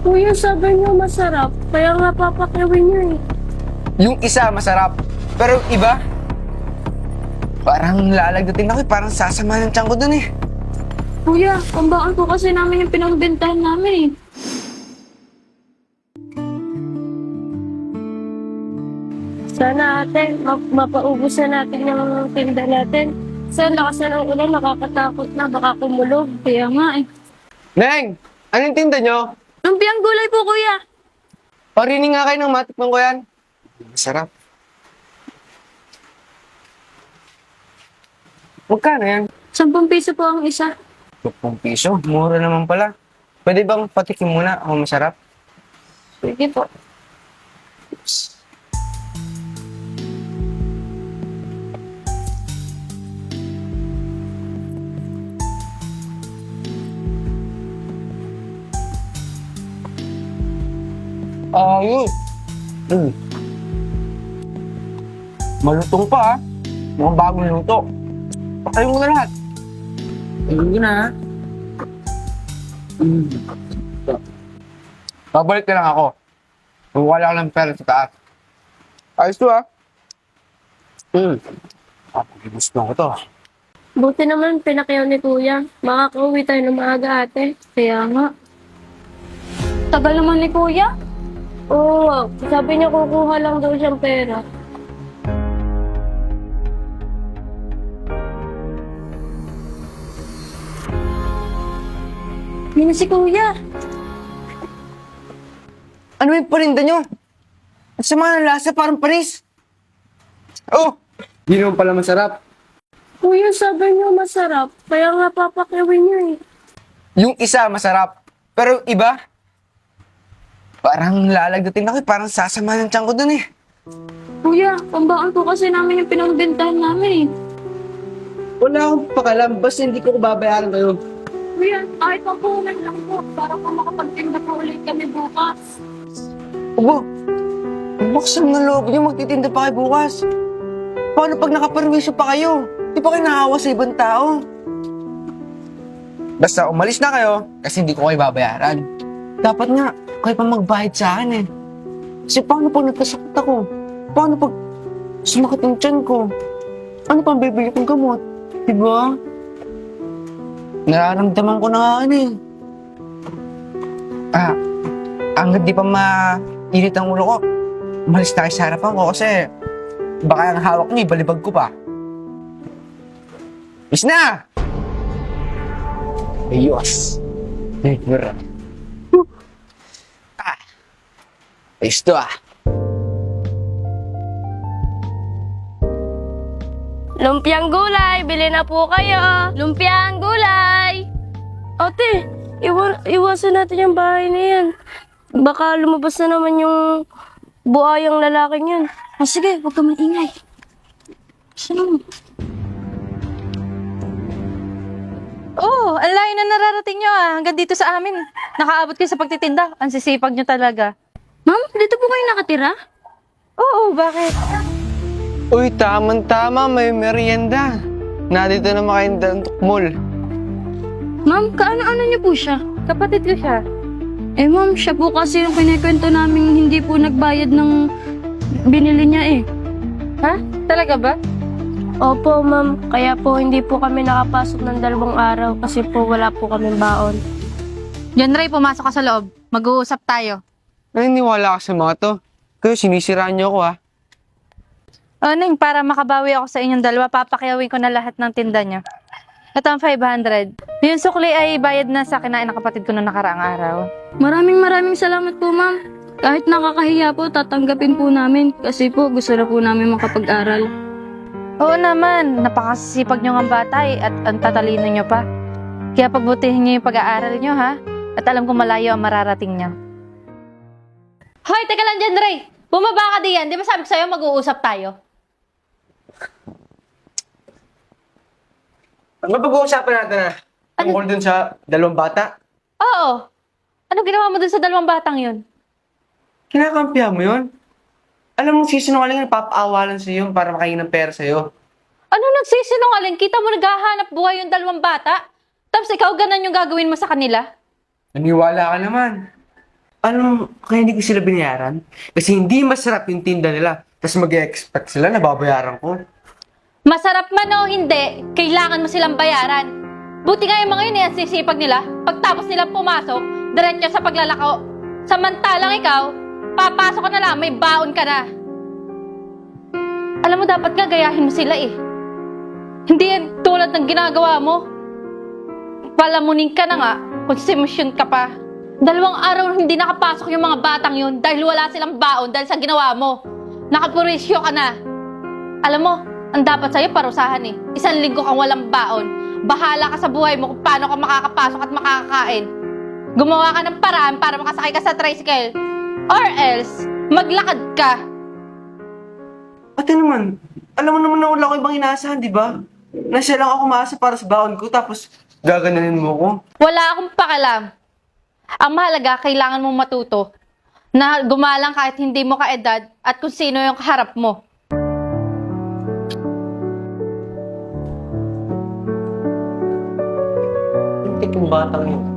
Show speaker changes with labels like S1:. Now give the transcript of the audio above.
S1: Kuya, sabi niyo masarap. Kaya nga papakiwin niyo eh.
S2: Yung isa masarap, pero yung iba, parang lalagdating ako, parang sasama ng tiyan ko dun eh.
S1: Kuya, pambakal ko kasi namin yung pinagbentahan namin eh. Sana ate, mapaubos na natin yung tinda natin. Sa lakas na ng ulan, nakakatakot na, baka kumulog. Kaya nga eh.
S2: Neng! Anong tinda nyo?
S1: Lumpiang gulay po, kuya.
S2: Parinig nga kayo ng matikman ko yan. Masarap. Magkano yan?
S1: 10 piso po ang isa.
S2: 10 piso. Mura naman pala. Pwede bang patikim muna ako masarap?
S1: Sige po.
S2: Ayos. Malutong pa ah. Mukhang bagong luto. Pakain mo na lahat. Ayun ko na ha. Babalik na lang ako. Wala ko ng pera sa taas. Ayos to ah. Gusto ko to.
S1: Buti naman pinakyaw ni kuya. Makakauwi tayo ng maaga ate. Kaya nga. Tagal naman ni kuya. Oo, sabi niya kukuha lang daw siyang pera. Yun na si kuya.
S2: Ano yung parinda nyo? Ang sama ng lasa, parang panis. Oh! Hindi naman pala masarap.
S1: Kuya, sabi niyo masarap. Kaya nga papakiwin niyo eh.
S2: Yung isa masarap, pero yung iba, parang lalagdating ako, parang sasama ng tiyan ko dun eh.
S1: Kuya, pambakal ko kasi namin yung pinagbentahan namin eh.
S2: Wala akong pakalam, basta hindi ko babayaran kayo.
S1: Kuya, kahit papunan lang po para po makapagtinda po ulit kami bukas.
S2: Abo, buksan ng loob niyo, magtitinda pa kayo bukas. Paano pag nakaperwisyo pa kayo? Di pa kayo nakahawa sa ibang tao? Basta umalis na kayo, kasi hindi ko kayo babayaran. Dapat nga, kayo pa magbayad sa akin eh. Kasi paano pag nagkasakit ako? Paano pag sumakit yung tiyan ko? Ano pang bibili kong gamot? Diba? Nararamdaman ko na nga ano eh. Hanggat di pa mainit ang ulo ko, umalis na kayo sa harapan ko kasi baka ang hawak niyo, ibalibag ko pa. Is na! Ayos. Never. Ayos to ah.
S1: Lumpiang gulay, bili na po kayo. Lumpiang gulay. Ate, iwasan natin yung bahay na yan. Baka lumabas na naman yung buhayang lalaking yun. Sige, huwag ka maingay. Sino?
S3: Oo, ang layo na nararating nyo ah. Hanggang dito sa amin. Nakaabot kayo sa pagtitinda. Ang sisipag nyo talaga.
S1: Ma'am, dito po kayo nakatira?
S3: Oo, bakit?
S2: Uy, tama, may merienda. Nandito na makayong tukmol.
S1: Ma'am, kaano-ano niyo po siya?
S3: Kapatid ko siya.
S1: Eh ma'am, siya po kasi yung kinikwento namin hindi po nagbayad ng binili niya eh.
S3: Ha? Talaga ba?
S1: Opo ma'am, kaya po hindi po kami nakapasok ng 2 araw kasi po wala po kaming baon.
S3: John Ray, pumasok ka sa loob. Mag-uusap tayo.
S2: Naniniwala ka sa mga to. Kayo, sinisiraan niyo ako ah.
S3: Neng, para makabawi ako sa inyong dalawa, papakiyawin ko na lahat ng tinda niyo. Ito ang 500. Yung sukli ay bayad na sa kinain ng kapatid ko noong nakaraang araw.
S1: Maraming salamat po ma'am. Kahit nakakahiya po, tatanggapin po namin kasi po gusto na po namin makapag-aral.
S3: Oo naman, napakasisipag nyo ng bata at ang tatalino nyo pa. Kaya pagbutihin nyo yung pag-aaral nyo ha. At alam kong malayo ang mararating nyo. Hoy, teka lang dyan, Ray! Bumaba ka diyan. Di ba sabi ko sa'yo mag-uusap tayo?
S2: Mapag-uusapan natin na tungkol dun sa 2 bata.
S3: Oo. Ano ginawa mo dun sa 2 batang yun?
S2: Kinakampihan mo yun? Alam mo, sisinungaling na papaawalan sa'yo para makain ng pera sa'yo.
S3: Ano nagsisinungaling? Kita mo naghahanap buhay yung 2 bata? Tapos ikaw ganun yung gagawin mo sa kanila?
S2: Naniwala ka naman. Alam mo, kaya hindi ko sila binayaran? Kasi hindi masarap yung tinda nila. Tapos mag-expect sila na babayaran ko.
S3: Masarap man o hindi, kailangan mo silang bayaran. Buti nga yung mga yun ang sisipag nila. Pagtapos nilang pumasok, diretso sa paglalako. Samantalang ikaw, papasok ka na lang, may baon ka na. Alam mo, dapat nga gayahin mo sila eh. Hindi yan tulad ng ginagawa mo. Palamunin ka na nga, konsumisyon ka pa. 2 araw hindi nakapasok yung mga batang yun dahil wala silang baon dahil sa ginawa mo. Nakapurisyo ka na. Alam mo, ang dapat sa'yo parusahan eh. 1 linggo kang walang baon. Bahala ka sa buhay mo kung paano ka makakapasok at makakakain. Gumawa ka ng paraan para makasakay ka sa tricycle. Or else, maglakad ka.
S2: Ate naman, alam mo naman na wala ko ibang inaasahan, di ba? Na siya lang ako maasa para sa baon ko, tapos gaganunin mo ko.
S3: Wala akong pakialam. Ang mahalaga, kailangan mong matuto na gumalang kahit hindi mo kaedad at kung sino yung kaharap mo.
S2: Yung batang yun.